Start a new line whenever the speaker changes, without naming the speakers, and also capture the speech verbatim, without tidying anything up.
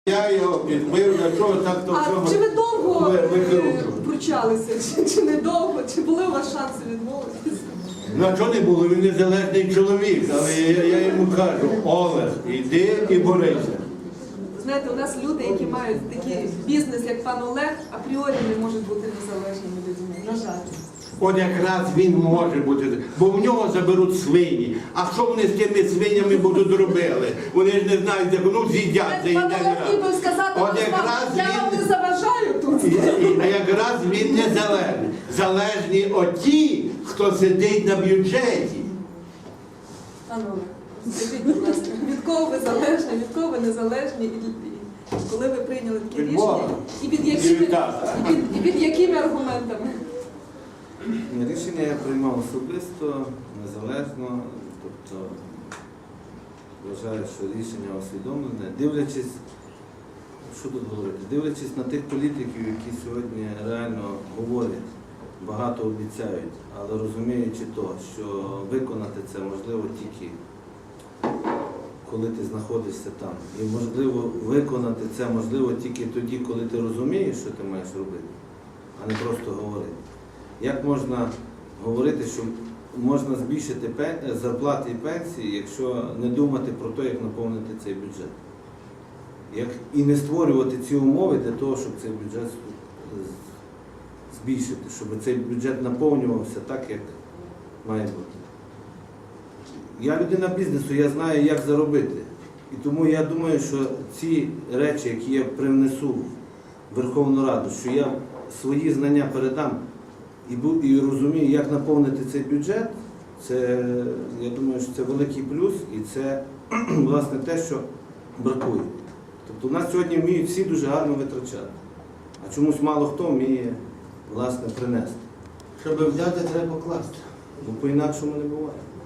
Я його підбив, для чого так то
А чи ви довго
ви-
е,
викручували.
пручалися? Чи, чи недовго? Чи були у вас шанси відмовитися?
Ну а чого не було? Він незалежний чоловік, але я, я йому кажу, Олег, іди і борися.
Знаєте, у нас люди, які мають такий бізнес, як пан Олег, апріорі не можуть бути незалежними людьми. На жаль.
От якраз він може бути, бо в нього заберуть свині. А що вони з тими свинями будуть робили? Вони ж не знають, як ну з'їдять,
Пан
заїдять.
Олег ніби сказати,
От
«Ну,
якраз
я вам
він-
не заважаю тут.
І, і, а якраз він незалежний. Залежні оті, хто сидить на бюджеті.
Пан Олег, скажіть, будь ласка, від кого ви залежні, від кого ви незалежні, і, і коли ви прийняли таке
Від
рішення,
Бога.
і під
І
якими,
від тата.
і під, і під якими аргументами?
Рішення я приймав особисто, незалежно, тобто вважаю, що рішення усвідомлене, дивлячись, що тут говорити, дивлячись на тих політиків, які сьогодні реально говорять, багато обіцяють, але розуміючи то, що виконати це можливо тільки коли ти знаходишся там. І можливо виконати це можливо тільки тоді, коли ти розумієш, що ти маєш робити, а не просто говорити. Як можна говорити, що можна збільшити зарплати і пенсії, якщо не думати про те, як наповнити цей бюджет? Як і не створювати ці умови для того, щоб цей бюджет збільшити, щоб цей бюджет наповнювався так, як має бути. Я людина бізнесу, я знаю, як заробити. І тому я думаю, що ці речі, які я привнесу в Верховну Раду, що я свої знання передам і, і розумію, як наповнити цей бюджет, це, я думаю, що це великий плюс і це, власне, те, що бракує. Тобто у нас сьогодні вміють всі дуже гарно витрачати, а чомусь мало хто вміє, власне, принести.
Щоб взяти, треба покласти.
Бо по-інакшому не буває.